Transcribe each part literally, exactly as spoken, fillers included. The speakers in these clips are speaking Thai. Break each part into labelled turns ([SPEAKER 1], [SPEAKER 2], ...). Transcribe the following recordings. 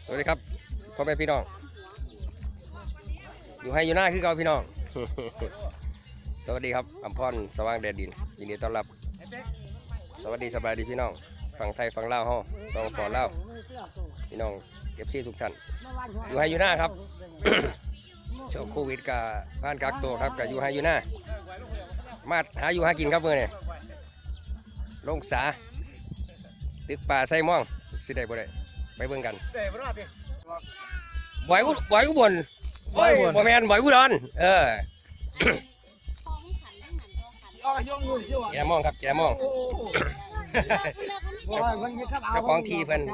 [SPEAKER 1] สวัสดีครับพ่อแม่พี่น้องอยู่ให้อยู่หน้าคือเก่าพี่น้อง สวัสดีครับอัมพรสว่างแดดดินยินดีต้อนรับสวัสดีสบายดีพี่น้องฝั่งไทยฝั่งลาวเฮาสองฝั่งลาวพี่น้องเอฟซีทุกท่านอยู่ให้อยู่หน้าครับ ช่วงโควิดกับบ้านกักตัวครับกับอยู่ให้อยู่หน้ามาหาอยู่หากินครับเมื่อนี่ลงสาตึกป่าไส้ม่องสิได้บ่ได้ไปเบิ่งกันบ่อยกูบ่อยกูบ่นบ่อยบ่แม่นบ่อยกูดอนเออแกมองครับแกมองเจ้าของทีเพิ่น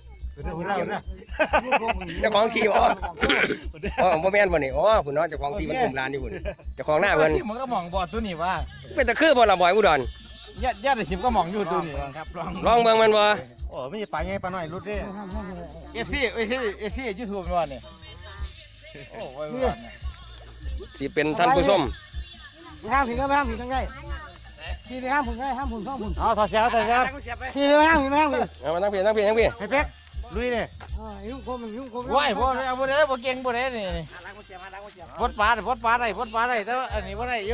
[SPEAKER 1] เจ้าของทีบ่อ๋อบ่แม่นบ่นี่อ๋อพุ่นเนาะเจ้าของทีมันคุมร้านอยู่พุ่นเจ้าของหน้าเพิ่น
[SPEAKER 2] มันก็มองบอดตัวนี้ว่า
[SPEAKER 1] เป็นตะคือบ่ล่ะบ่อยกูดอน
[SPEAKER 2] ญาติญาติชิมก็มองอยู่ตัวนี้ครับลอง
[SPEAKER 1] ลองเบิ่งมันบ่
[SPEAKER 2] โอ้ไม่ใช่ปลาไงปลาหน่อยรุดเด้ เอฟ ซี เอฟ ซี เอฟ ซี YouTube มันว่านี่โอ้ยว่านี่
[SPEAKER 1] สิเป็นท่านผู้ชม
[SPEAKER 3] ห้ามผิดก็ไม่ห้ามผิดทั้งไงพี่ไปห้ามผมไงห้ามผมซ่อมผม
[SPEAKER 2] เอาถอดเสียถอดเสีย
[SPEAKER 3] พี่ไปห้ามพี่ไม่ห้ามพี่
[SPEAKER 1] เอามานั่งเพียงนั่งเพียงนั่งเพียง
[SPEAKER 2] ให้เป๊กลุยเลย
[SPEAKER 3] ยุ่งโคมยุ่งโคม
[SPEAKER 2] ว้ายบ่ได้บ่ได้บ่เก่งบ่ได้นี่บดปลาบดปลาได้บดปลาได้แต่อันนี้บ่ได้อยู่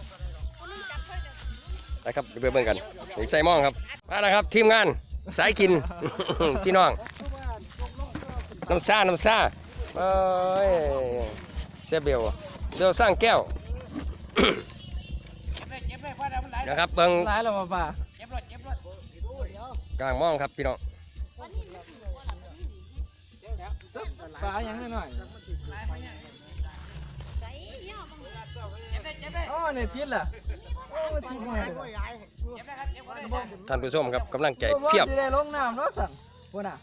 [SPEAKER 1] นะครับไปเบิ่งกันใส่หม้องครับมาแล้วครับทีมงานสายกิน พี่น้องน้ำซ่าน้ำซ่าเอ้ยเซเบลเบลสร้างแก้ว นะครับเบิ่ง
[SPEAKER 2] ร้ายแล้วป่
[SPEAKER 1] ากลางหม้องครับพี่น้อง
[SPEAKER 2] ปลาอย่างน้อยอ๋อเนี่ยทิศล่ะ
[SPEAKER 1] ท่านผู้ชมครับกำลังใจเพียบ
[SPEAKER 2] ได้ลงน้ำแล้วสั่งพุ่นน่ะ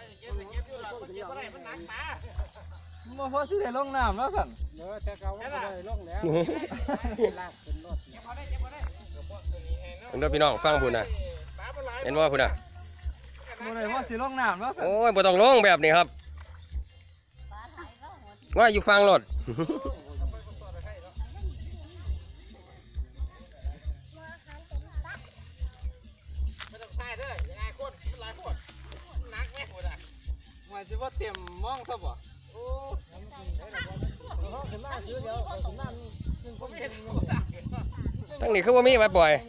[SPEAKER 2] บ่พอสิได้ลงน้ำแล้วสั่ง
[SPEAKER 3] เออแต่เขาไม่ได้ลงแล้ว
[SPEAKER 1] เห็นด้วยพี่น้องฟังพุ่นนะเห็นว่าพุ่นนะ
[SPEAKER 2] บ่ได้พอสิลงน้ำแล้วสั่ง
[SPEAKER 1] โอ้ยบ่ต้องลงแบบนี้ครับว่าอยู่ฟังรถ
[SPEAKER 2] หมายถึงว่าเต็มมองซะบ่โอ้
[SPEAKER 1] ทั้งนี้คือว่ามีไว้ปล่อย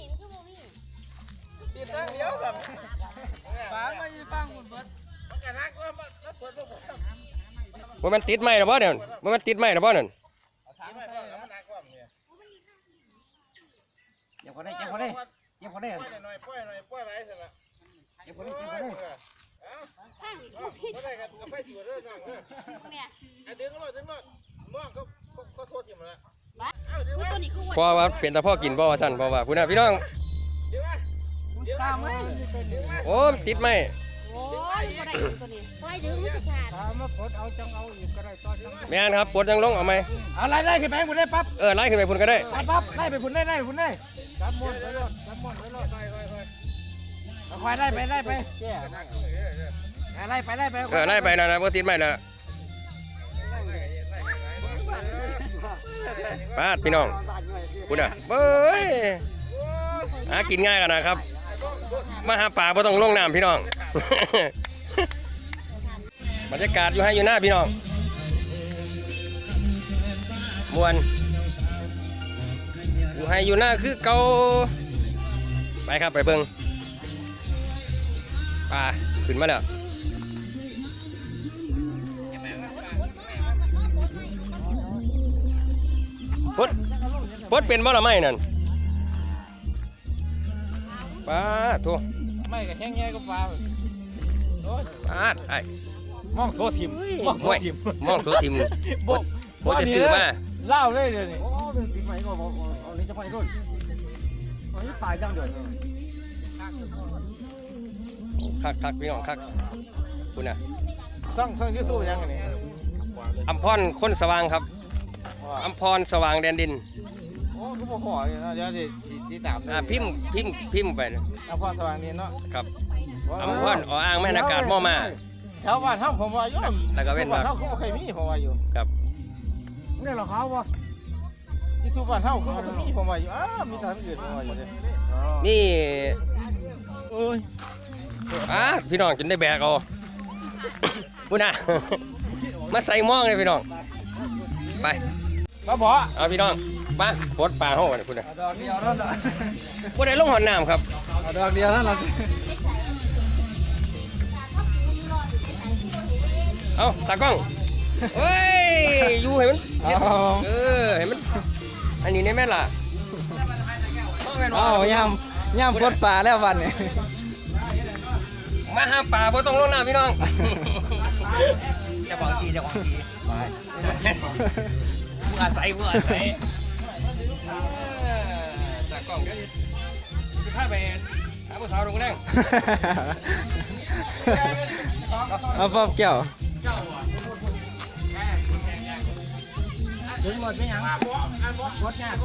[SPEAKER 2] ติดทางเดียวกันฝามาอีฟังหมดเบิด
[SPEAKER 1] ว่ามันติดไหมหรือเปล่าเนี่ยว่ามันติดไหมหรือเปล่าเนี่ย
[SPEAKER 2] เจ็บพอได้เจ็บพอได้เจ็บพอได้เจ็บพอได้เจ็บพอได้เจ็บพอได้
[SPEAKER 4] กับไฟจุดเลยน้องเนี่ยดึงก็ดึงก็ม่วงก็ก็โทษทีมันละ
[SPEAKER 1] เพราะว่าเป็นตาพ่อกินเพราะว่าสั่นเพราะว่าคุณน่ะพี่น้องโอ้ติดไหม
[SPEAKER 4] โอ้ยบ่ได้ตัวนี้ไฟดึงมันจะขาด
[SPEAKER 3] ถ้ามาปลดเอาจังเอาอีกก็ได้ตอนจัง
[SPEAKER 1] แม่นครับปลดจังลงเอาไหม
[SPEAKER 2] เอาไล่ไล่ขึ้นไปพุ่นได้ปั๊บ
[SPEAKER 1] เออไล่ขึ้นไปพุ่นก็ได้
[SPEAKER 2] ปั๊บไล่ไปพุ่นได้ไล่ไปพุ่นได้
[SPEAKER 3] จับมนไปรถจับมนไปรถไปไปไป
[SPEAKER 2] เอาควายไล่ไปไล่ไปไล่ไปไล่ไป
[SPEAKER 1] เออไล่ไปนะนะพวกติดไหมนะป้าพี่น้องคุณน่ะเบ้ยหากินง่ายกันนะครับมาหาป่าไม่ต้องลงน้ำพี่น้อง บรรยากาศอยู่ให้อยู่หน้าพี่น้องมวนอยู่ให้อยู่หน้าคือเกาไปครับไปเบิ่งป่าขึ้นมาแล้วพดพดเป็นบ่ละไม่นั่นป้าทั่ว
[SPEAKER 2] ไม่กับแห้งแง่ก็ปลา
[SPEAKER 1] ป้าไอ้
[SPEAKER 2] มองโซทิม
[SPEAKER 1] มองโซทิมมองโซทิมบดบดจะซื้อมา
[SPEAKER 2] เล่าเลยเดี๋ยวนี้
[SPEAKER 3] โอ้เป็นปีใหม่ก็บอกเอาลิ้นจะไปรุ่นอันนี้ตายจังเดือด
[SPEAKER 1] คักคักพี่น้องคักคุณน่ะ
[SPEAKER 2] ซ่องซ่องยูทูบยังไงนี่
[SPEAKER 1] อัมพรคนสว่างครับอัมพรสว่างแดนดิน
[SPEAKER 2] โอ้ก็บอกขออยู่นะเดี๋ยวจะติดตาม
[SPEAKER 1] อ่าพิมพ์พิมพ์พิมพ์ไป
[SPEAKER 2] อัมพรสว่างดินเนาะ
[SPEAKER 1] ครับอัมพรอ๋ออ่างแม่นอากาศม่อมา
[SPEAKER 2] แถวบ้านเฮาผมว่าอยู่
[SPEAKER 1] แล้วก็เว้นว่า
[SPEAKER 2] เฮาก็เคยมีผมว่าอยู่
[SPEAKER 1] ครับ
[SPEAKER 3] นี่เราเขาวะ
[SPEAKER 2] ที่สุบ้านเฮาก็มีผมว่าอยู่อ้ามีทางอื่นผมว่าอยู่ดิ
[SPEAKER 1] นี่
[SPEAKER 2] เอ้ย
[SPEAKER 1] อ่าพี่น้องจนได้แบกเอาพูดนะ มาใส่หม้องเลยพี่น้องไป
[SPEAKER 2] มาบ่
[SPEAKER 1] เอาพี่น้องมาปลดปลาห้องเลยพูดนะ
[SPEAKER 2] ดอกเดียวนั่นน่ะ
[SPEAKER 1] พูดได้ลงหอนน้ำครับ
[SPEAKER 2] ดอกเดียวนั่นล่ะ
[SPEAKER 1] เอาตากล้องเฮ้ยอยู่ให้มันเจ็ดเออให้มันอันนี้ได้ไหมล่ะ
[SPEAKER 2] อ้าวยำยำปลดปลาแล้ววันนี้
[SPEAKER 1] มาหาปลาบ่ต้องลงน้ำพี่น้องจะบอกทีจะบอกทีผู้อาศัยผู้อาศัยตากล้องเดี๋ยวจะพาไปหาผู้สาวลงแรง
[SPEAKER 2] เอาปอบแก้ว
[SPEAKER 3] ถึงหมดไปยังหมดเนี่ย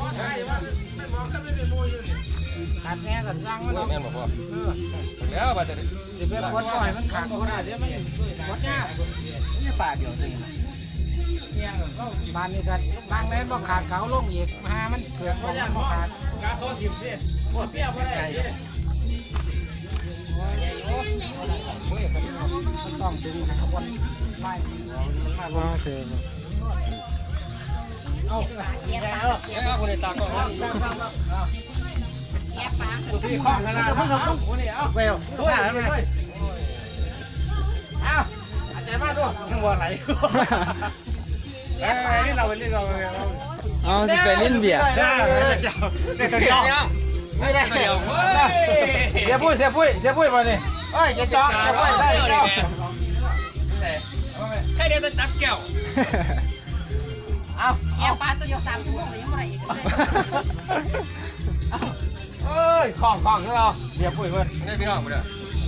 [SPEAKER 3] ขาดแน่กันร่างมัน
[SPEAKER 1] แม่นบอกว่าแล้วมาจะ
[SPEAKER 3] สิเป็นคนปล่อยมันขาดคนอ่ะเดี๋ยวมันหมดเนี่ยนี่ป่าเดียวจริงบ้านนี้กันบางแม่นบ่ขาดเขาลงอีกหามันเผือกของมันบ่ขาดกาโซ่สิบสิหมดเปรี้ยวบ่ได้มันต้องดึงให้ขบวนไล่มันมาเชิญเอา
[SPEAKER 1] เอ้ยคนในตากล้อง
[SPEAKER 2] พี่คล้องขนาดนั้นเอานี่เอาไปเอาตัวไหนมาเอาอาจารย์มาด้วยทั้งวันไหลเอ้ยนี่เราไปเล่นเราเอาสิไปเล่นเบียร์ได้ได้ตัวเดียวไม่ได้ตัวเดียวเสียปุ้ยเสียปุ้ยเสียปุ้ยมาเนี่ยเอ้ยจะจอกจะปุ้ยได้จอก
[SPEAKER 1] แค่เดียวจะจับแก้ว
[SPEAKER 2] เอา
[SPEAKER 5] แอบปลาตัวเดียวสามชั่วโมงเลยยังไม่ได้อีกเลย
[SPEAKER 2] เอ้ยคล้องคล้องใช่ไหมเสียปุ้ยเพื่อน
[SPEAKER 1] นี่พี่น้องกูเด้อ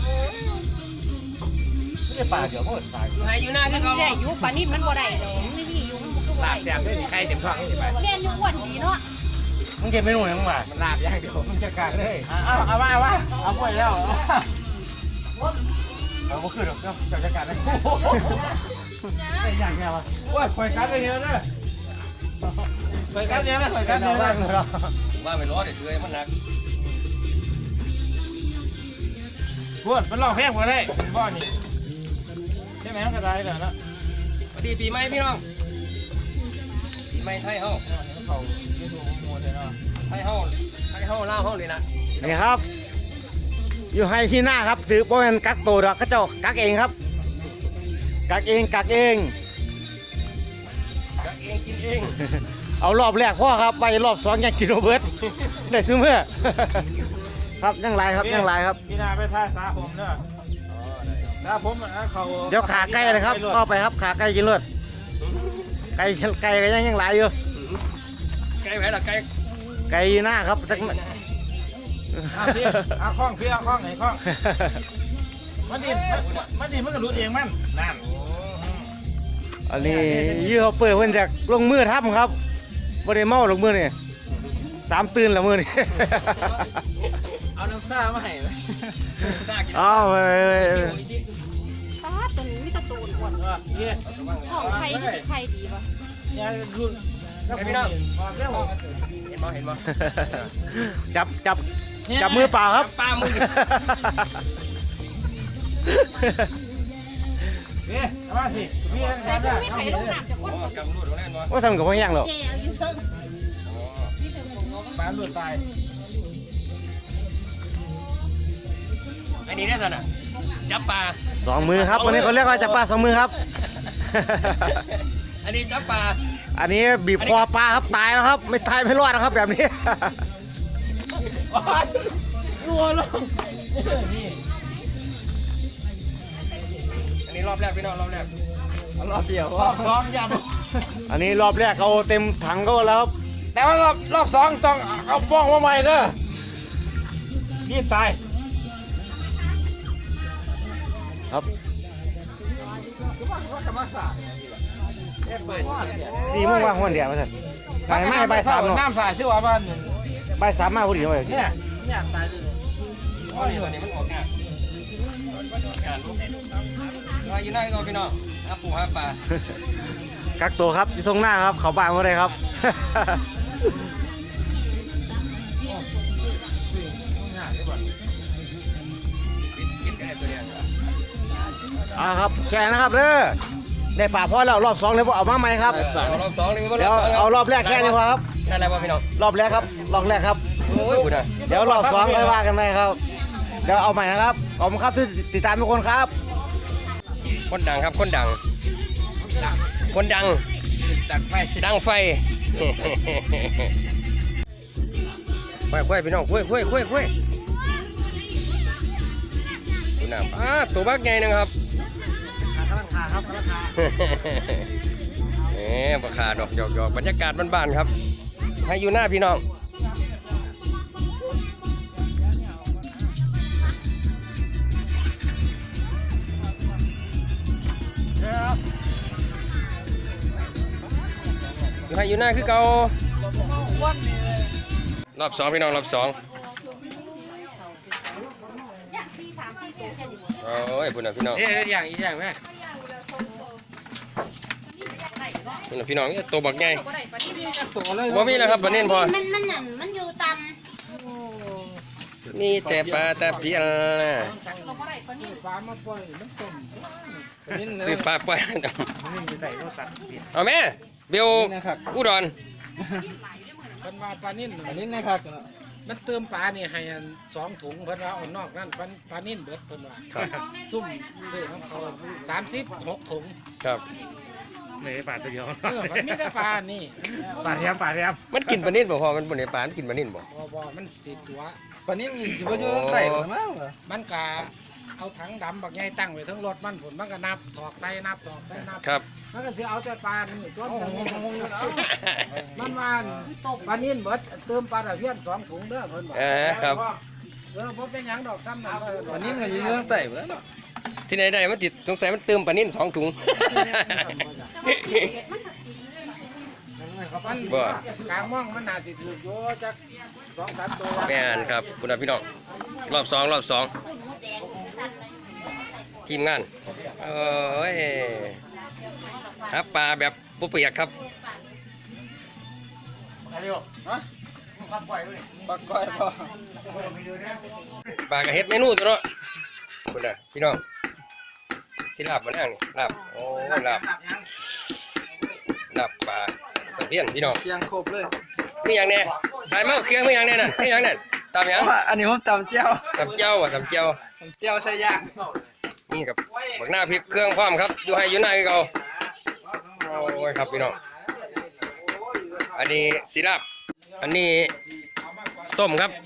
[SPEAKER 2] ไม่ได้ปลาเดี๋ยวเพื่อนปลา
[SPEAKER 1] อยู่ไหนอยู่หน้า
[SPEAKER 5] มั
[SPEAKER 1] ที่
[SPEAKER 5] น
[SPEAKER 1] เขา
[SPEAKER 5] ได้อยู่ปลานิ่มมันบ่ได้เลยไม่มีอยู่มันก็บ่
[SPEAKER 1] ลา
[SPEAKER 5] ได้
[SPEAKER 1] บแซ่บด้วยใครเต็มท้องนี่ไป
[SPEAKER 5] แม่นอยู่อ้วนดีเนาะ
[SPEAKER 2] มึงเก็บไม่หนุ่ยมึงมามันลาบอย่างเดียวมึงจะกัดเลยเอาเอามาเอามาเอาปุ้ยแล้วเอาบุขึ้นหรอกเจ้าจะกัดเลยอย่างเงี้ยวะว่าปล่อยกัดเลยเนอะปล่อยกัดเยอะนะปล่อยกัดเยอะนะ
[SPEAKER 1] ว่าไปล้อเดี๋ยวเชื่อมันหนัก
[SPEAKER 2] พวดมันลองแพงกว่าได้บ้านนี่ใช่ไหมมันกระจายเลยนะ
[SPEAKER 1] สวัสดีปีใหม่พี่น้องปีใหม่ไทยเฮา
[SPEAKER 2] เขาไม่ถูกโมเลยเนาะ
[SPEAKER 1] ไทยเฮาไทยเฮาลาวเฮาเลยนะ
[SPEAKER 3] นี่ครับ อยู่ไฮที่หน้าครับถือว่าเป็นกักตัวดอกกระเจ้ากักเองครับ กักเองกักเอง
[SPEAKER 1] กักเองกินเอง
[SPEAKER 3] เอารอบแรกพ่อครับไปรอบสองยังกินโรเบิร์ตได้ซื้อเมื่อ ครับยังไรครับยังไรครับ
[SPEAKER 2] พี่นาไปท่าสาผมเนอะสาผมเขา
[SPEAKER 3] เดี๋ยวขาไก่เลยครับก็ไปครับขาไก่กินเลือดไก่ไก่ก็ยังยังไรอยู่
[SPEAKER 1] ไก่ไหนล่ะไก่
[SPEAKER 3] ไก่หน้าครับจัก
[SPEAKER 2] เอาพี่เอาคล้องพี่เอาคล้องไหนคล้องมันดิมันดิมันก็รู้เองมันนั่น
[SPEAKER 3] อันนี้ยี่เขาเปิดเพื่อนจากลงมือทับครับบ่ได้เมาลงมือนี่สามตื่นละมือนี่
[SPEAKER 1] เอาน้ำซ่ามาให้ซ่ากิน
[SPEAKER 3] อ้าวไป
[SPEAKER 5] ตาตัวนี้มีตะตูนอ้วน
[SPEAKER 2] เนี่ย
[SPEAKER 5] ของใครก็สิใครดีวะ
[SPEAKER 2] เนี่ยรุ่นเร็ว
[SPEAKER 1] เห็นบ่เห็นบ่
[SPEAKER 3] จับจับจับมือเปล่าครับ
[SPEAKER 1] ปลามือ
[SPEAKER 2] เนี่ยมาสิพี่
[SPEAKER 5] แต่ก็ไม่ไข่ลงน้ำจากคน
[SPEAKER 1] อ๋อกำรูดตรงนั้นบ่
[SPEAKER 3] ว่าทำกับพ่อยังหรอก
[SPEAKER 5] แก่อยู่เพิ่ง
[SPEAKER 1] อ๋อ
[SPEAKER 5] นี่ถึงผมว่า
[SPEAKER 2] ปลาหลุดตาย
[SPEAKER 1] อันนี้ได้สินะจับปลา
[SPEAKER 3] สองมือครับวันนี้เขาเรียกว่าจับปลาสองมือครับ
[SPEAKER 1] อันนี้จับปลา
[SPEAKER 3] อันนี้บีบคอปลาครับตายแล้วครับ ไม่ตายไม่รอดนะครับแบบนี้
[SPEAKER 2] รัวลง
[SPEAKER 1] อันนี้รอบแรกพี่น้องรอบแรก
[SPEAKER 2] รอบเดียวรอบสองยัน
[SPEAKER 3] อันนี้รอบแรกเขาเต็มถังก็แล้วครับ
[SPEAKER 2] แต่ว่ารอบรอบสองต้องเอาป้องมาใหม่เด้อนี่ตาย
[SPEAKER 3] ครับสี่โมงว่างวันเดียวมาสั่นไปไม่ไปสามเนาะ
[SPEAKER 2] น้ำสายชื่อว่าบ้าน
[SPEAKER 3] ไปสามมาพอดีเลย
[SPEAKER 2] เนี่ยเนี่ยตายเลย
[SPEAKER 1] อ๋อนี่ตัวนี้มันออกงานงานลูกเราอยู่ไหนก็พี่น้องหาปูหาปลา
[SPEAKER 3] กักตัวครับที่ตรงหน้าครับเขาบ้านมาเลยครับ
[SPEAKER 1] กินกินได้ตัวเดียว
[SPEAKER 3] อ่าครับแค่นะครับเด้อได้ป่าพอแล้วรอบสองเลยพวกเอามาไหมครับ
[SPEAKER 1] รอบสองเลยไม่
[SPEAKER 3] เดี๋ยวเอารอบแรกแค่นี้พอครับ
[SPEAKER 1] ได้แล้วป่ะพี่น้อง
[SPEAKER 3] รอบแรกครับรอบแรกครับ
[SPEAKER 1] โอ้ยคุณอ่ะ
[SPEAKER 3] เดี๋ยวรอบสองค่อยว่ากันไหมครับเดี๋ยวเอาใหม่นะครับขอบคุณครับที่ติดตามทุกคนครับ
[SPEAKER 1] คนดังครับคนดัง คนดัง
[SPEAKER 2] ดังไฟ
[SPEAKER 1] ดังไฟคุยคุยพี่น้องคุยคุยคุยคุยดูน้ำอ่าตัวบักใหญ่นึงครับ
[SPEAKER 3] กำลังขาครับกำลังขา
[SPEAKER 1] เอ๊ะปลาขาดอกหยอกหยอกบรรยากาศบ้านๆครับ ให้อยู่หน้าพี่น้องอยู่ให้อยู่หน้าคือเก่ารอบสองพี่น้องรอบสอง
[SPEAKER 5] อยากสี่สามสี่ตัวแค่นี้
[SPEAKER 1] โอ้ยพุ่นน่ะพี่น้อง
[SPEAKER 2] เอ๊ะอย่างอีกอย่างไหม
[SPEAKER 1] พุ่นน่ะพี่น้องเนี่ยตัวบักใหญ่
[SPEAKER 5] ตัวได้ปะนี่
[SPEAKER 2] ตัวเลย
[SPEAKER 1] บ่มีแล้วครับปลาเน่นพอ
[SPEAKER 5] มันมันนั่นมันอยู่ต่
[SPEAKER 1] มีแต่ปลาตะเพียนนะ
[SPEAKER 5] ำเราก็ได้ปะนี่
[SPEAKER 2] ปลามาปล่อยมันต้มนี่
[SPEAKER 1] ซื้อปลาไป
[SPEAKER 3] นี่ใส่รถสัตว์
[SPEAKER 1] เอาแม่เบลอุดร
[SPEAKER 2] เพิ่นว่าปลานิ่นปลานิ่นนะครับมันเติมปลานี่ให้อันสองถุงเพิ่นว่าเอานอกนั่นปลาปลานิ่นเบิดเพิ่นว่าซุ่มเด้อของเขาสามสิบหกถุง
[SPEAKER 1] ครับ
[SPEAKER 3] เลยป่าตัวเดียว
[SPEAKER 2] เออมันมีแต่ปลานี่
[SPEAKER 3] ป่าเทียมป่าเทียม
[SPEAKER 1] มันกินปลานิ่นบ่พอมันบนในปลามันกินปลานิ่นบ่
[SPEAKER 2] บ่บ่มันสิตัว
[SPEAKER 6] ปานนี้มีสิบ่อยู่ตั้งแต่บ่มั้งเหรอ
[SPEAKER 2] มันกะเอาถังดำบักใหญ่ตั้งไว้ทั้งรถมันผลมันก็นับถอกใส่นับถอกใส่นับ
[SPEAKER 1] ครับ
[SPEAKER 2] มันก็สิเอาแต่ปลานี่ตัวมันว่าปลานิ่นเบิดเติมปลาตะเพียนสองถุงเด้อเพิ่นบอก
[SPEAKER 1] เออครับ
[SPEAKER 2] เออบ่เป็นหยังดอกซ้ำนั่นก็
[SPEAKER 6] ปานนี้ก็อยู่ตั้งแต่บ่แล้วเนาะ
[SPEAKER 1] ที่ไหนได้มันติดสงสัยมันเติมปลานิ่นสองถุง
[SPEAKER 2] มัน
[SPEAKER 1] บ่
[SPEAKER 2] กลางม่องมันน่าสิถูกอยู่จักสองสามตัว
[SPEAKER 1] แม่นครับคุณพี่น้องรอบสองรอบสองทีมงานเอ้ยครับปลาแบบปุเปียกครับ
[SPEAKER 6] ปากก้อยบ่
[SPEAKER 1] ปลากระเฮ็ดเมนูตัวเนาะคุณน่ะพี่น้องสิลาบมานั่งนี่ลาบโอ้ยลาบลาบปลาตะเพียนพี่น้อง
[SPEAKER 6] เคียงครบเลย
[SPEAKER 1] มีอย่างแน่สายเมาเครื่องมีอย่างแน่นั่นมีอย่างแน่ตามหยัง
[SPEAKER 6] อันนี้ผมตำเจียว
[SPEAKER 1] ตำเจ้าอ่ะตำเจ้า
[SPEAKER 6] ตำเจียวใส่ย่าง
[SPEAKER 1] นี่กับบักหน้าพริกเครื่องพร้อมครับอยู่ให้อยู่หน้าคือเก่าโอ้ยครับพี่น้องอันนี้สิลาบอันนี้ต้มครับ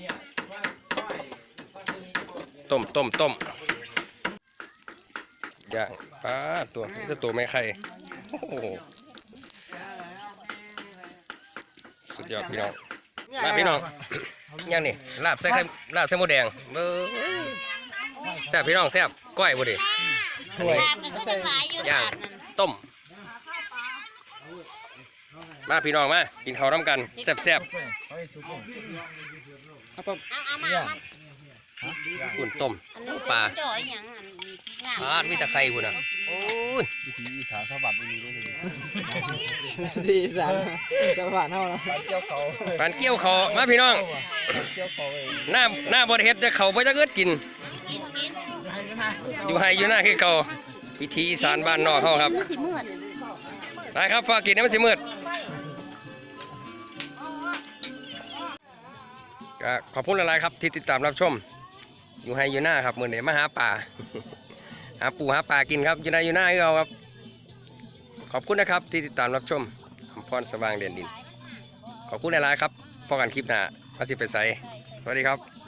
[SPEAKER 1] ต้มต้มต้มย่างปลาตัวนี่จะตัวไม่ไข่โอ้โหสุดยอดพี่น้องมาพี่น้องย่างนี่ลาบใส่ไข่ลาบใส่หมูแดงเบ้อแซ่บพี่น้องแซ่บก้อยบ่ดิอันนี้ย่างต้มมาพี่น้องมากินข้าวน้ำกันแซ่บแซ่บอุ่นต้มปลา
[SPEAKER 5] จ่อยอย่างอันงาม
[SPEAKER 1] ปลามีแต่ไข่คุณอ่ะโอ้ย
[SPEAKER 6] สีสันจังหวัดเฮานะ
[SPEAKER 1] ปานเกี่ยวเขามาพี่น้องหน้าหน้าบริเฮ็ดจะเขาไปจะเกิดกิน อยู่ให้อยู่หน้าคือเขาพิธีอีสารบ้านนอกเขาครับ
[SPEAKER 5] มันสิมืด
[SPEAKER 1] ได้ครับฝากกินให้มันสิมืดก็ขอบคุณหลายๆครับที่ติดตามรับชม อยู่ให้อยู่หน้าครับมือนี้มาหาป่า หาปูหาปลากินครับอยู่ในอยู่หน้าคือเราครับ ขอบคุณนะครับที่ติดตามรับชมอำพรสว่างเด่นดิน ขอบคุณหลายๆครับพอกันคลิปหน้าพาสิไปใส่สวัสดีครับ